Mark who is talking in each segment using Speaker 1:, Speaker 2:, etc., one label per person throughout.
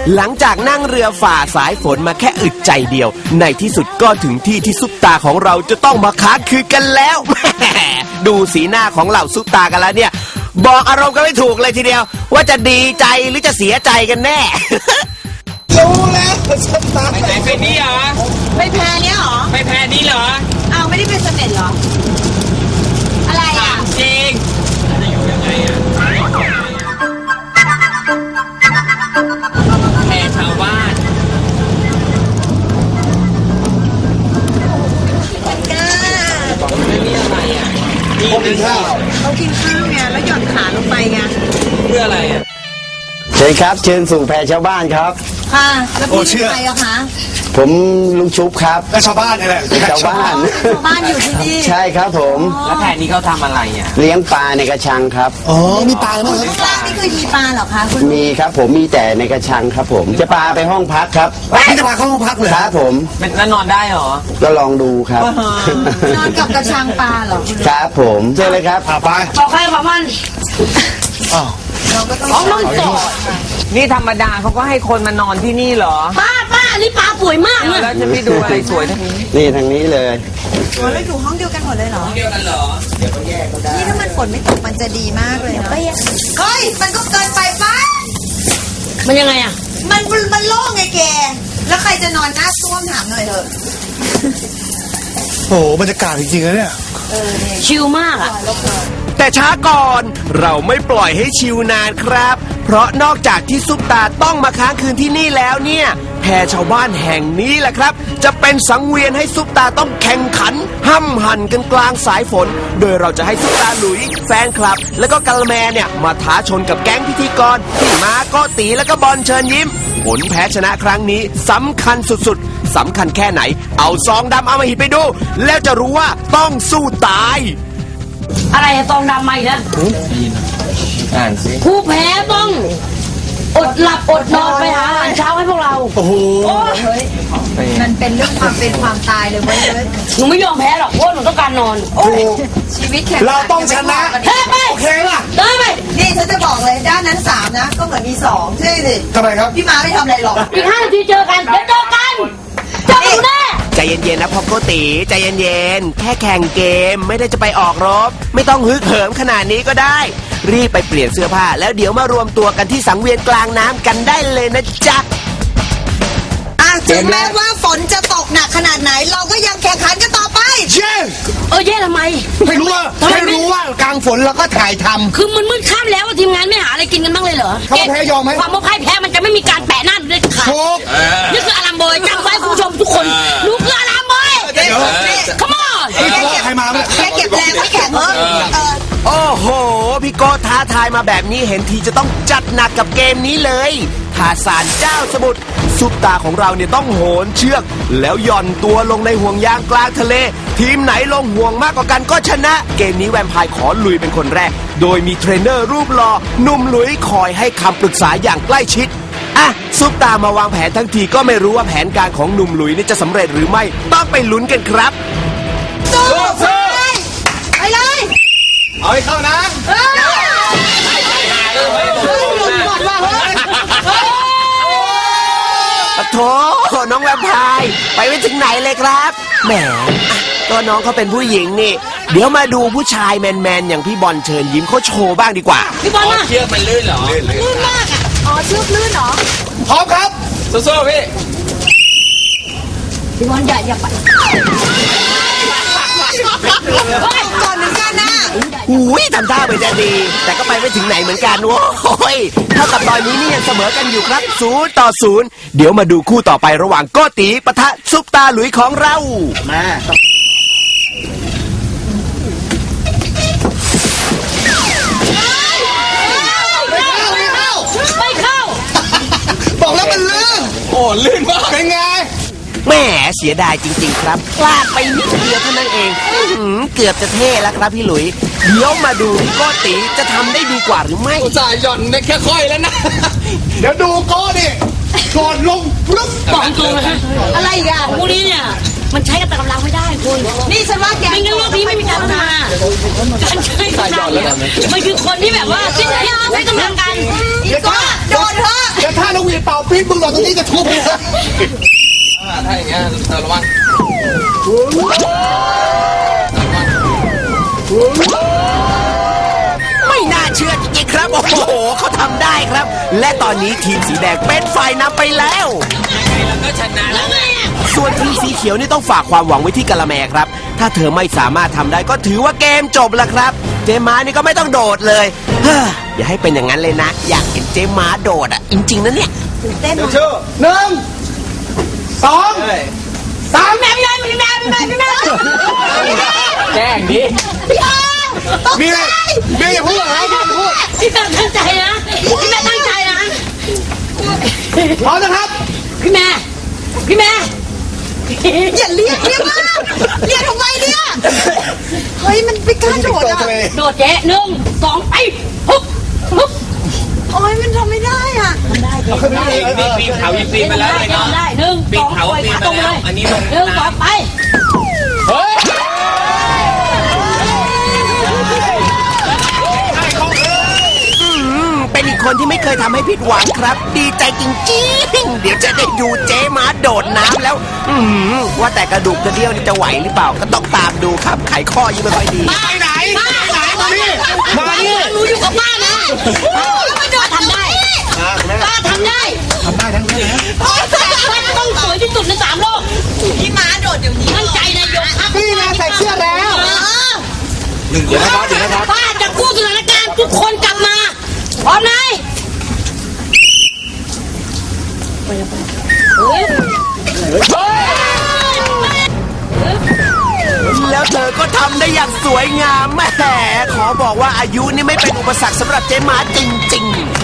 Speaker 1: หลังจากนั่งเรือฝ่าสายฝนมาแค่อึดใจเดียวในที่สุดก็ถึงที่ที่ซุปตาของเราจะต้องมาค้างคืนกันแล้ว ดูสีหน้าของเหล่าซุปตากันแล้วเนี่ยบอกอารมณ์กันไม่ถูกเลยทีเดียวว่าจะดีใจหรือจะเสียใจกันแน่
Speaker 2: รู้แล้วซุปตา
Speaker 3: ไปไหนไปนี่เหรอ
Speaker 4: ไปแพเนี้ยเหรอ
Speaker 3: ไปแพรนี้เหรอ
Speaker 4: อ้าวไม่ได้เป็นเสม็ดเหรอ อะไรอ่ะ
Speaker 3: จริงจะอยู่ยังไงอ่ะแพรชาวบ้าน
Speaker 4: ก้า
Speaker 3: ไม่มีอะไรอ่ะนี่
Speaker 2: กินข้าว
Speaker 4: เขากินข้าวไงแล้วหย่อนขาลงไปไง
Speaker 3: เพื่ออะไรอ่ะ
Speaker 5: เชิญครับเชิญสู่แพรชาวบ้านครับ
Speaker 4: ค่ะแล้วพี่เป็นใครอะคะ
Speaker 5: ผมลุงชุบครับ
Speaker 2: ก็ชาวบ้านนี่แหละ
Speaker 5: เป็นชาวบ้าน
Speaker 4: ชาวบ้านอยู่ที่นี่
Speaker 5: ใช่ครับผม
Speaker 3: แล้วแพรนี้เขาทำอะไรอ่ะ
Speaker 5: เลี้ยงปลาในกระชังครับ
Speaker 2: อ๋อมีปลาไหมครับ
Speaker 4: ข้างล่างนี่คือมีปลาเหรอคะคุณ
Speaker 5: มีครับผมมีแต่ในกระชังครับผมจะปลาไปห้องพักครับ
Speaker 2: พี่จะพาเข้าห้องพักเลย
Speaker 5: ครับผม
Speaker 3: แล้วนอนได้เหรอ
Speaker 5: ก็ลองดูครับ
Speaker 4: นอนกับกระชังปลาเหรอคุณ
Speaker 5: ครับผมเชิญเลยครับ
Speaker 2: พาไป
Speaker 4: บอกใครบอกมัน
Speaker 2: อ้าว
Speaker 4: เราก็ต้อง
Speaker 3: น้องโสดนี่ธรรมดาเขาก็ให้คนมานอนที่นี่เหรอ
Speaker 4: ป้าอันนี้ปลาสวยมากเลย
Speaker 3: แล้วจะไปดูอะไรสวยทั้งนี้
Speaker 5: นี่ทางนี้เลย
Speaker 4: โอ้ยอยู่ห้องเดียวกันหมดเลยเหรอ
Speaker 3: เดียวกันเหรอ
Speaker 4: นี่ถ้ามันฝนไม่ตกมันจะดีมากเลยเนาะเฮ้ยมันก็เกินไปป้า
Speaker 6: มันยังไงอ่ะ
Speaker 4: มันโล่งไงแก แล้วใครจะนอนหน้าซ่วมถามหน่อยเถอะ
Speaker 2: โอ้โหบรรยากาศจริงๆนะเนี่ย
Speaker 6: ชิลมากอ่ะ
Speaker 1: แต่ช้าก่อนเราไม่ปล่อยให้ชิวนานครับ เพราะนอกจากที่ซุปตาต้องมาค้างคืนที่นี่แล้วเนี่ยแพรชาวบ้านแห่งนี้แหละครับ จะเป็นสังเวียนให้ซุปตาต้องแข่งขันห้ำหั่นกันกลางสายฝน โดยเราจะให้ซุปตาหลุยแฟนคลับ แล้วก็กะละแมเนี่ยมาท้าชนกับแก๊งพิธีกรที่มาก็ตีแล้วก็บอลเชิญยิ้ม ผลแพ้ชนะครั้งนี้สำคัญสุดๆสำคัญแค่ไหน เอาซองดำเอามาหิดไปดู แล้วจะรู้ว่าต้องสู้ตาย
Speaker 6: อะไรอะตองดำมาอีกแล้ว
Speaker 3: อ่านสิ
Speaker 6: ผู้แพ้ต้องอดหลับอดนอนไปหาอาหารเช้าให้พวกเรา
Speaker 2: โอ้โห
Speaker 4: มันเป็นเรื่องความเป็นความตายเลยเว้ย
Speaker 6: หนูไม่ยอมแพ้หรอกเพราะหนูต้องการนอน
Speaker 4: ชีวิตแข่ง
Speaker 2: เราต้องชนะ
Speaker 6: แพ้ไป
Speaker 2: โอเคล่ะ
Speaker 6: เดินไป
Speaker 4: นี่ฉันจะบอกเลยด้านนั้น3นะก็เหมือนมี2ใช่สิ
Speaker 2: ทำไมครับ
Speaker 4: พี่ม้าไม่ทำอะไรหรอก
Speaker 6: อีก5 นาทีเจอกันเดี๋ยวเจอกันเจอกันอยู่แน่
Speaker 1: ใจเย็นๆนะพ่อโกติใจเย็นๆแค่แข่งเกมไม่ได้จะไปออกรบ ไม่ต้องฮึกเหิมขนาดนี้ก็ได้ รีบไปเปลี่ยนเสื้อผ้า แล้วเดี๋ยวมารวมตัวกันที่สังเวียนกลางน้ำกันได้เลยนะจ๊ะ
Speaker 4: ถึงแม้ว่าฝนจะตกหนักขนาดไหน เราก็ยังแข่งขันกันต่อไป
Speaker 2: เย้
Speaker 6: แย่ทำไม
Speaker 2: ไม่รู้ว่ากลางฝนเราก็ถ่ายทำ
Speaker 6: คือมันมืดค่ำแล้วอะทีมงานไม่หาอะไรกินกันบ้างเลยเหรอ
Speaker 2: เขาแพ้ยอมไหม
Speaker 6: ความว่าพ่ายแพ้มันจะไม่มีการแปะหน้าเด็ดขาด
Speaker 2: โชค
Speaker 6: นี่คืออารามบอยจำไว้คุณผู้ชมทุกคนหนูคืออารามบอย
Speaker 2: เดี๋ยว
Speaker 6: come on
Speaker 2: ใครมาเนี่ย
Speaker 4: แค่เก็บแรงไว้แข่งเถอะ
Speaker 1: โอ้โห พี่โกท้าทายมาแบบนี้เห็นทีจะต้องจัดหนักกับเกมนี้เลยทาสานเจ้าสมุทรซุปตาของเราเนี่ยต้องโหนเชือก แล้วหย่อนตัวลงในห่วงยางกลางทะเล ทีมไหนลงห่วงมากกว่ากันก็ชนะ เกมนี้แวมไพร์ขอลุยเป็นคนแรก โดยมีเทรนเนอร์รูปหล่อหนุ่มหลุยคอยให้คำปรึกษาอย่างใกล้ชิดอ่ะซุปตามาวางแผนทั้งทีก็ไม่รู้ว่าแผนการของหนุ่มหลุยนี่จะสำเร็จหรือไม่ต้องไปลุ้นกันครับ
Speaker 4: ไปเลย
Speaker 2: เอาให้เข้านะ
Speaker 1: โถน้องแวมไพร์ไปไม่ถึงไหนเลยครับแหมก็น้องเขาเป็นผู้หญิงนี่ เดี๋ยวมาดูผู้ชายแมนๆอย่างพี่บอลเชิญยิ้มเขาโชว์บ้างดีกว่า
Speaker 6: พี่บอลมา
Speaker 3: เชือกมันลื่นเหรอ
Speaker 4: ลื่นมากอ่ะ อ๋อเชือกลื่นเหรอ
Speaker 2: พร้อมครับ
Speaker 3: สู้ๆพี่
Speaker 6: พี่บอลอย่าไป
Speaker 4: ก่อนเหมือนกันนะ
Speaker 1: อุ้ยทำท่าเหมือนจะดี แต่ก็ไปไม่ถึงไหนเหมือนกันโว้ยเท่ากับตอนนี้นี่ยังเสมอกันอยู่ครับ0-0 เดี๋ยวมาดูคู่ต่อไประหว่างโกติปะทะซุปตาหลุยของเรา
Speaker 5: มา
Speaker 6: ไม่เข้า
Speaker 2: บอกแล้วมันลื่น
Speaker 3: โอ้ลื่นมาก
Speaker 2: เป็นไง
Speaker 1: แหมเสียดายจริงๆครับพลาดไปนิดเดียวเท่านั้นเองเกือบจะเท่แล้วครับพี่หลุย เดี๋ยวมาดูพี่โกติจะทำได้ดีกว่าหรือไม่
Speaker 3: อุตส่าห์หย่อนได้แค่ค่อยแล้วนะ
Speaker 2: เดี๋ยวดูโก้ดิกอดลงปึ๊บ
Speaker 6: บอกตรงนะฮะ
Speaker 4: อะไรอีกอ่ะ
Speaker 6: พวกนี้เนี่ยมันใช้กับแต่กำลังไม่ได้คุณ
Speaker 4: นี่ฉันว่าแก
Speaker 6: ไม่งั้นโลกนี้ไม่มีการพัฒนาการใช้กำลังเนี่ยมันคือคนที่แบบว่าที่ไหนใช้กำลังกัน
Speaker 4: อีกก็โดนเถอะ
Speaker 2: เดี๋ยวถ้านกหวีดเป่าปี๊บมึงหล่นตรงนี้จะทุบเลย
Speaker 3: ถ้าอย่างเงี้ยระวัง
Speaker 1: ไม่น่าเชื่อจริงๆครับ โอ้โหเขาทำได้ครับ และตอนนี้ทีมสีแดงเป็นฝ่ายนำไปแล้ว
Speaker 3: ก็ชนะแล้วไง
Speaker 1: ส่วนทีมสีเขียวนี่ต้องฝากความหวังไว้ที่กะละแมครับ ถ้าเธอไม่สามารถทำได้ก็ถือว่าเกมจบแล้วครับ เจม้านี่ก็ไม่ต้องโดดเลยเฮ้ออย่าให้เป็นอย่างนั้นเลยนะ อยากเห็นเจม้าโดดอ่ะจริงๆนะเนี่ย
Speaker 4: เต้น
Speaker 2: ชื่อหนึ่งสองสาม
Speaker 6: แม่พี่แม่พี่แม่พี่แม่
Speaker 3: แจ้งดิ
Speaker 6: พี่อา
Speaker 2: มีอะไรมีอย่าพูดเหรออย่าพูด
Speaker 6: พี่แม่ตั้งใจนะพี่แม่ตั้งใจนะ
Speaker 2: พร้อมนะครับ
Speaker 6: พี่แม่พี่แม่
Speaker 4: อย่าเรียกมากเรียกทำไมเนี่ยเฮ้ยมันไม่กล้าโดดอ่ะ
Speaker 6: โดดเจ๊1 2ไปฮึบฮึบ
Speaker 4: โอ้ยมันทำไม่ได้อ่ะ
Speaker 3: ปีนเขายิงปีนมาแล้วเลยเนาะ
Speaker 6: ได้1
Speaker 3: ปีน
Speaker 6: 2
Speaker 3: เขา
Speaker 6: ไป
Speaker 3: ปีน
Speaker 6: ขา
Speaker 3: มา
Speaker 6: ตรงเล
Speaker 3: แล้ว
Speaker 6: ย
Speaker 3: อันนี้ลง
Speaker 6: 1 2ไป
Speaker 3: เฮ้ย
Speaker 1: เป็นอีกคนที่ไม่เคยทำให้ผิดหวังครับ ดีใจจริงๆ เดี๋ยวจะได้ดูเจ๊ม้าโดดน้ำแล้ว ว่าแต่กระดูกกระเดี่ยวนี่จะไหวหรือเปล่า ก็ต้องตามดูครับ ไขข้อยังไม่ค่อยดี
Speaker 2: ไปไหนไปไหนมานี่มานี่
Speaker 6: หนูอยู่กับป้านะแล้วมาโดดทำได้ป้าทำได้
Speaker 2: ทำได้ทั้งนั้นนะ
Speaker 6: ป้าต้องสวยที่สุดใน3 โลก
Speaker 4: พี่ม้าโดดเดี๋ยวนี้
Speaker 6: มั่นใจนะยกครับ
Speaker 2: นี่นะใส่เสื้อแล้ว
Speaker 6: เดี๋ยวนะครับป้าจะกู้สถานการณ์ทุกคนกลับมาพร้อมไหมเฮ้ย
Speaker 1: แล้วเธอก็ทำได้อย่างสวยงามแหมขอบอกว่าอายุนี่ไม่เป็นอุปสรรคสำหรับเจ๊ม้าจริงๆ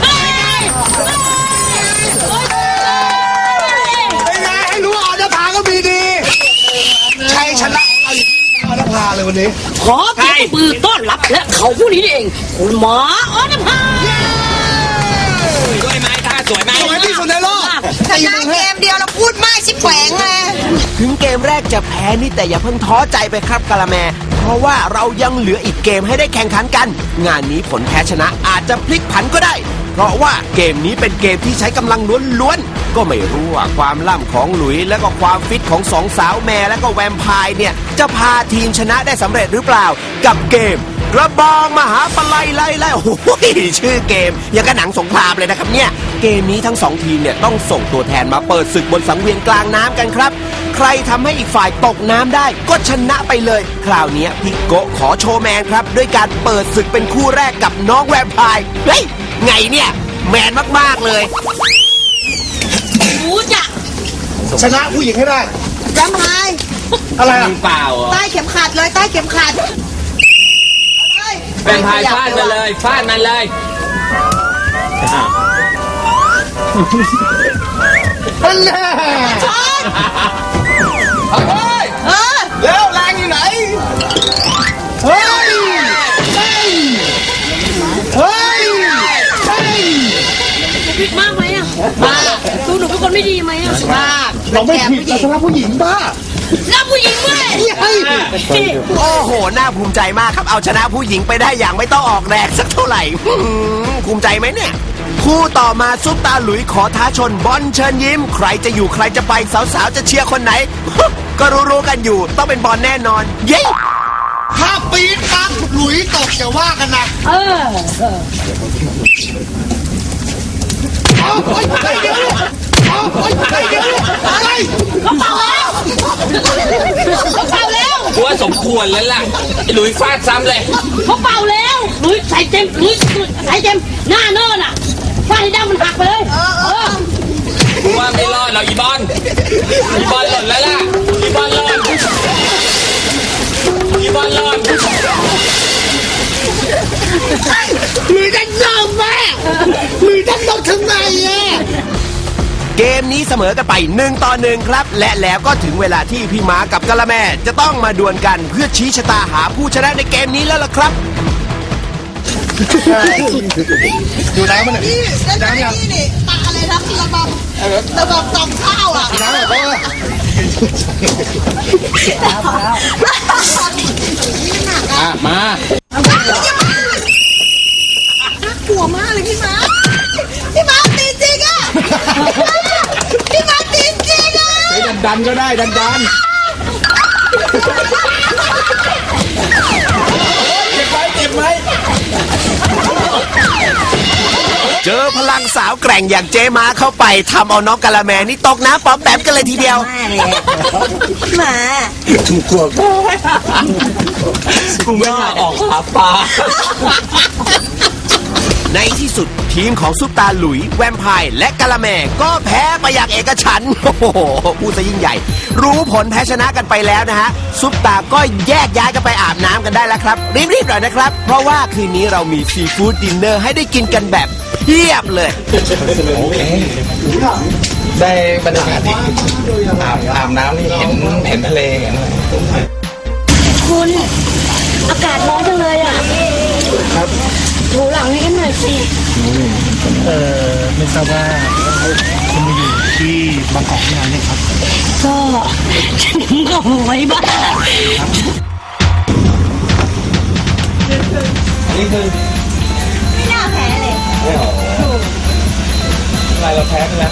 Speaker 2: เป็นไงให้รู้ว่าออนภาก็มีดีชัยชนะออนภาเลยวันนี้
Speaker 6: ขอเพียงมือต้อนรับและเขาผู้นี้เองคุณหมอออนภา
Speaker 3: สวยไหมท่าสวยไหม
Speaker 2: สวยที่สุดในโลก
Speaker 4: ชนะเกมเดียวแล้วพูดมากชิบแขวงเลย
Speaker 1: ถึงเกมแรกจะแพ้นี่แต่อย่าเพิ่งท้อใจไปครับกะละแม เพราะว่าเรายังเหลืออีกเกมให้ได้แข่งขันกัน งานนี้ผลแพ้ชนะอาจจะพลิกผันก็ได้ เพราะว่าเกมนี้เป็นเกมที่ใช้กำลังล้วนๆ ก็ไม่รู้ว่าความล่ำของหลุยและก็ความฟิตของสองสาวแม่และก็แวมไพร์เนี่ยจะพาทีมชนะได้สำเร็จหรือเปล่า กับเกมกระบองมหาปลัยไล่โอ้โหชื่อเกมยังกับหนังสงครามเลยนะครับเนี่ยเกมนี้ทั้งสองทีมเนี่ยต้องส่งตัวแทนมาเปิดศึกบนสังเวียนกลางน้ำกันครับ ใครทำให้อีกฝ่ายตกน้ำได้ก็ชนะไปเลย คราวนี้พี่โกะขอโชว์แมนครับด้วยการเปิดศึกเป็นคู่แรกกับน้องแวมไพร์เฮ้ยไงเนี่ยแมนมากๆเลย
Speaker 6: รู้จัก
Speaker 2: ชนะผู้หญิงให้ได้
Speaker 4: จำไฮ
Speaker 2: อะไรอ่ะ
Speaker 3: เปล่าเหรอ
Speaker 4: ใต้เข็มขัดเลยใต้เข็มขัด
Speaker 3: เป็นพายฟาดมาเลยฟาดมันเลย
Speaker 2: นั่นแหละ
Speaker 4: เออ
Speaker 2: แล้วแรงอยู่ไหนเฮ้ยเฮ้ยเฮ้ยเฮ้ย
Speaker 6: ผิดมากไหมอ่ะมาดูหนูเป็นคนไม่ดีไหมอ่ะมาก
Speaker 2: เราไม่ผิดเราชนะผู้หญิงบ้า
Speaker 6: แล้วผู้หญิงด้วย
Speaker 2: เฮ้ย
Speaker 1: โอ้โห น่าภูมิใจมากครับ เอาชนะผู้หญิงไปได้อย่างไม่ต้องออกแรงสักเท่าไหร่ ภูมิใจไหมเนี่ย คู่ต่อมาซุปตาหลุยขอท้าชนบอลเชิญยิ้ม ใครจะอยู่ใครจะไปสาวๆจะเชียร์คนไหน ก็รู้ๆกันอยู่ต้องเป็นบอลแน่นอน เย้
Speaker 2: ถ้าปี๊ดปั๊บหลุยตกอย่าว่ากันนะ
Speaker 6: เออ
Speaker 2: เอาเฮ้ยเฮ้ยเดี๋ยวเอาเฮ้ยเฮ้ยเดี๋ยวอะไร
Speaker 6: เขาเป่าแล้วเขาเป่าแล้ว
Speaker 3: กูว่าสมควรแล้วล่ะไอ้หลุยฟาดซ้ำเลย
Speaker 6: เขาเป่าแล้วหลุยใส่เต็มหลุยใส่เต็มหน้าเนินอ่ะฟาดให้ดั้งมันหักไปเลย
Speaker 3: กูว่าไม่รอดหรอกอีบอลอีบอลหล่นแล้วล่ะอีบอลหล่นอีบอลหล่น
Speaker 2: หลุยจะยอมแม่หลุยจะตกถึงไหนอ่ะ
Speaker 1: เกมนี้เสมอกันไป1-1ครับ และแล้วก็ถึงเวลาที่พี่ม้ากับกะละแมจะต้องมาดวลกันเพื่อชี้ชะตาหาผู้ชนะในเกมนี้แล้วล่ะครับ
Speaker 2: ดูน้ำมันหน่อย
Speaker 4: นี่นั่นนี่นี่ตาอะไรนะระบำตองข้าวอ่ะ
Speaker 2: น้ำหน่อยเพราะว่า
Speaker 3: อ่ะมา
Speaker 4: กลัวมากเลยพี่ม้าพี่ม้าตีจริงอ่ะพี่ม้าตีจริงอ่ะ
Speaker 2: ดันก็ได้ดันเจ็บไหม
Speaker 1: เจอพลังสาวแกร่งอย่างเจมาเข้าไปทำเอาน้องกะละแมนี่ตกน้ำป๊อมแปมกันเลยทีเดียว
Speaker 4: พี่ม้า
Speaker 3: กูไม่น่าออกหาปลา
Speaker 1: ในที่สุดทีมของซุปตาหลุยแวมไพร์และกะละแมก็แพ้ไปอย่างเอกฉันท์โอ้โหพูดซะยิ่งใหญ่ รู้ผลแพ้ชนะกันไปแล้วนะฮะซุปตาก็แยกย้ายกันไปอาบน้ำกันได้แล้วครับรีบๆหน่อยนะครับ เพราะว่าคืนนี้เรามีซีฟู้ดดินเนอร์ให้ได้กินกันแบบเพียบเลย
Speaker 7: ได้บรรยากาศดีอาบน้ำนี่เห็นทะเลเห็นอะไร
Speaker 6: คุณอากาศร้อนจังเลยอ่ะครับถูหลังให้กันหน่อยสิ
Speaker 2: ไม่ทราบว่าคุณมาอยู่ที่บางกอกที่ไหนเนี่ยครับ
Speaker 6: ก็ฉันก็ไว้บ้าง
Speaker 7: นี่คือ
Speaker 4: ไม่น่าแพ้เลย
Speaker 7: อะไรเราแพ้ไปแล้ว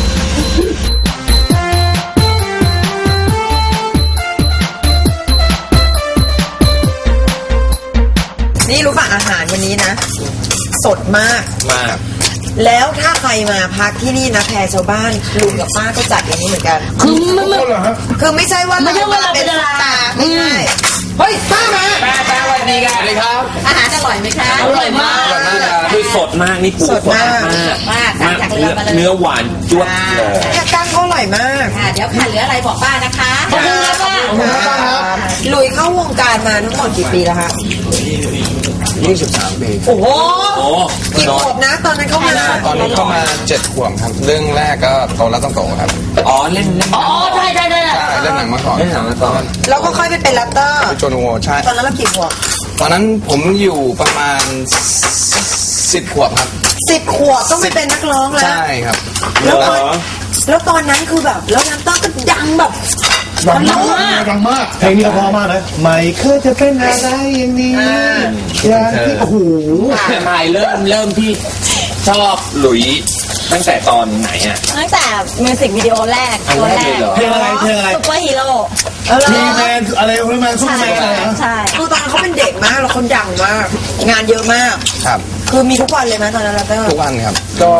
Speaker 4: นี่รู้ป่ะอาหารวันนี้นะ สดมาก
Speaker 7: มาก
Speaker 4: แล้วถ้าใครมาพักที่นี่นะแพรชาวบ้านลุงกับป้าก็จัดอย่างนี้เหมือนกัน
Speaker 6: คือมัน
Speaker 4: คือไม่ใช่ว่า
Speaker 6: ไม่ใช่ว่าเราเป็นดารา
Speaker 4: ตาไม่ใช่เฮ้ยป้ามา
Speaker 3: แป๊บวันนี้กันสวัสดีครับ
Speaker 4: อาหารอร่อยไหมคะ
Speaker 6: อร่อยมาก
Speaker 3: คือสดมากนี่ปู
Speaker 4: สดมาก
Speaker 3: มากเนื้อหวานจ้วบเลย
Speaker 4: เนี่ยกั้งก็อร่อยมาก
Speaker 8: เดี๋ยวค่ะเหลืออะไรบอกป้านะคะ
Speaker 6: ขอบคุณครับป้า
Speaker 4: ลุยเข้าวงการมาทั้งหมดกี่ปีแล้วคะ
Speaker 7: 23 ปี
Speaker 4: โอ้โห
Speaker 3: โอ้
Speaker 4: กี่ขวบนะตอนนั้นเข้ามา
Speaker 7: ตอนนี้เข้ามา 7 ขวบครับ เรื่องแรกก็โตแล้วต้องโตครับ
Speaker 3: อ๋อเล่น
Speaker 6: อ๋อใช่ใช่ใช่
Speaker 7: ใช่เล่นหนังมาก่อน
Speaker 3: เล่นหนังมาก่อน
Speaker 4: แล้วก็ค่อยไปเป็นแรปเตอร์
Speaker 7: โจนโวใช่
Speaker 4: ตอนนั้นเรากี่ขวบ
Speaker 7: ตอนนั้นผมอยู่ประมาณ 10 ขวบครับ
Speaker 4: 10 ขวบต้องไปเป็นนักร้องแล้ว
Speaker 7: ใช่ครับ
Speaker 4: แล้วตอนนั้นคือแบบแล้วแรปเตอร์ก็ดังแบบ
Speaker 2: ดังมากเพลงนี้ก็เพราะมากนะไม่เคยจะเป็นอะไรอย่างนี้อย่างที่โอ้โห
Speaker 3: ไม่เริ่มที่ชอบหลุยตั้งแต่ตอนไหนอ่ะ
Speaker 6: ตั้งแต่มิวสิกวิดีโอแรกตัวแรก
Speaker 2: เพลงอะไรเพลงอะไร
Speaker 6: ซุปเปอร์ฮีโร่
Speaker 2: ทีแมนอะไรซูเปอร์แมนซุปเปอร์แมนอะไรนะ
Speaker 6: ใช่
Speaker 4: คือตอนนั้นเขาเป็นเด็กมากแล้วคนดังมาก งานเยอะมาก
Speaker 7: ครับ
Speaker 4: คือมีทุกวันเลยไหมตอนนั้นแรปเตอร์
Speaker 7: ทุกวันครับ ก็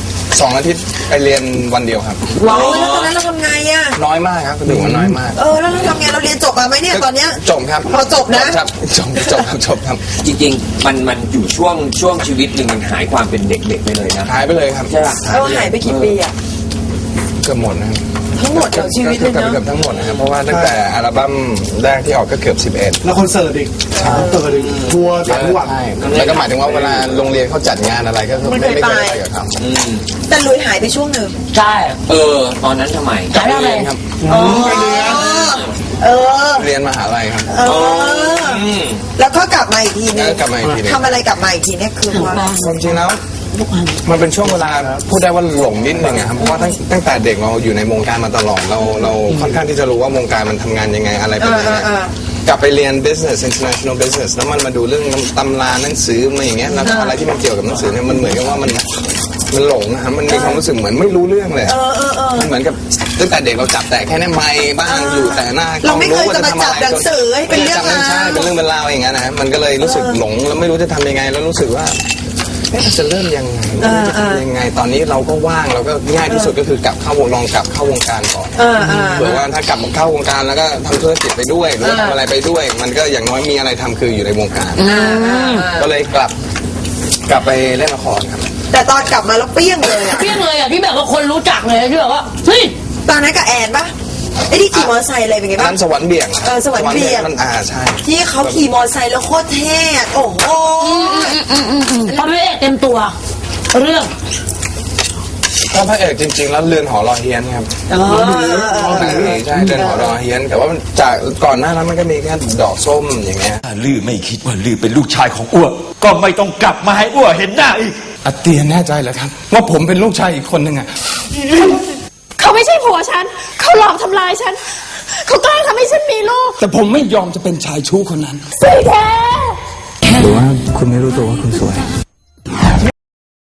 Speaker 7: 2 อาทิตย์ไปเรียนวันเดียวครับ
Speaker 4: ว้าวแล้วตอนนั้นเราทำไงอ่ะ
Speaker 7: น้อยมากครับถือว่าน้อยมาก
Speaker 4: แล้วเราทำไงเราเรียนจบมาไหมเนี่ยตอนเนี้ย
Speaker 7: จบครับ
Speaker 4: พอจบนะ
Speaker 7: ครับจบครับ
Speaker 3: จริงๆมันอยู่ช่วงชีวิตหนึ่งมันหายความเป็นเด็กๆไปเลยนะ
Speaker 7: หายไปเลยครับ
Speaker 3: ใช่ป่ะ
Speaker 4: เราหายไปกี่ปีอ่ะ
Speaker 7: เกือบหมดนะครับ
Speaker 4: ทั้งหมดของชีวิตเลย
Speaker 7: เกือบ
Speaker 4: เนาะ
Speaker 7: ทั้งหมดนะครับ เพราะว่าตั้งแต่อัลบั้มแรกที่ออกก็เกือบ 11
Speaker 2: แล้วคอนเสิร์ตอีกคอนเสิร์ตอีกทัวร์ต่างจังหวัด
Speaker 7: ใช่แล้วก็หมายถึงว่าเวลาโรงเรียนเขาจัดงานอะไรก็ไม่เคยไปกับเขา
Speaker 4: แต่ลุยหายไปช่วงหนึ่ง
Speaker 6: ใช่
Speaker 3: ตอนนั้นทำไม
Speaker 6: ขายอะไร
Speaker 7: เรียนครับ
Speaker 4: เออ
Speaker 7: เรียนมหาลัยครับ
Speaker 4: แล้วก็กลับมาอีกทีนึง
Speaker 7: กลับมาอีกทีนึง
Speaker 4: ทำอะไรกลับมาอีกทีเนี่ยคือว่า
Speaker 7: ความจริงแล้วมันเป็นช่วงเวลาพูดได้ว่าหลงนิดนึงอะครับเพราะว่าตั้งแต่เด็กเราอยู่ในวงการมาตลอดเราค่อนข้างที่จะรู้ว่าวงการมันทำงานยังไงอะไรเป็นยังไงกลับไปเรียน business international business แล้วมันมาดูเรื่องตำราหนังสือมาอย่างเงี้ยแล้วอะไรที่มันเกี่ยวกับหนังสือเนี่ยมันเหมือนกับว่ามันหลงนะครับมันมีความรู้สึกเหมือนไม่รู้เรื่องเลยมันเหมือนกับตั้งแต่เด็กเราจับแต่แค่ในไมค์บ้างอยู่แต่หน้ากล้
Speaker 4: เรา
Speaker 7: อง
Speaker 4: ไม่เคย
Speaker 7: ว่า
Speaker 4: จะมา
Speaker 7: ทำ
Speaker 4: จั
Speaker 7: อะ
Speaker 4: บ
Speaker 7: ไร
Speaker 4: หนังสือให้เป็นเรื่องราว
Speaker 7: ใช่เป็นเรื่องเป็นราวอย่างเงี้ยนะฮะมันก็เลยรู้สึกหลงแล้วไม่รู้จะทำยังไงแล้วรู้สึกว่าจะเริ่มยังไงจะทำยังไงตอนนี้เราก็ว่างเราก็ง่ายที่สุดก็คือกลับเข้าวงการก่อนเผื่อว่าถ้ากลับเข้าวงการแล้วก็ทำธุรกิจไปด้วยหรือว่าทำอะไรไปด้วย มันก็อย่างน้อยมีอะไรทำคืออยู่ในวงการก็เลยกลับไปเล่นละครครับ
Speaker 4: แต่ตอนกลับมาแล้วเปี้ยงเลยอ่ะ
Speaker 6: เปี้ยงเลยอ่ะที่แบบว่าคนรู้จักเลยที่แบบว่าเฮ้ย
Speaker 4: ตอนนั้นกับแอนปะไอ้ที่ขี่มอเตอร์ไซค์อะไรเป็นไง
Speaker 7: อัน
Speaker 4: บ้าง
Speaker 7: นั้นสวรรค์เบี่ยง
Speaker 4: สวรรค์เบี่ยง
Speaker 7: มันใช่
Speaker 4: ที่เขาขี่มอเตอร์ไซค์แล้วโคตรเท่อะโอ้โห
Speaker 6: พระเอกเต็มตัว เรื่อง
Speaker 7: ถ้าพระเอกจริงๆแล้วเรือนหอรอเฮียนครับหนังผีใช่เรือนหอรอเฮียนแต่ว่ามันจากก่อนหน้านั้นมันก็มีแค่ดอกส้มอย่างเงี้ย
Speaker 9: ถ้าลือไม่คิดว่าลือเป็นลูกชายของอ้วก็ไม่ต้องกลับมาให้อ้วเห็นหน้าอีก
Speaker 7: อาเตียนแน่ใจเหรอครับว่าผมเป็นลูกชายอีกคนหนึ่งอ่ะ
Speaker 6: เขาไม่ใช่ผัวฉัน เขาหลอกทำลายฉัน เขาแกล้งทำให้ฉันมีลูก
Speaker 2: แต่ผมไม่ยอมจะเป็นชายชู้คนนั้น
Speaker 6: สิแท้
Speaker 2: หรือว่าคุณไม่รู้ตัวว่าคุณสวย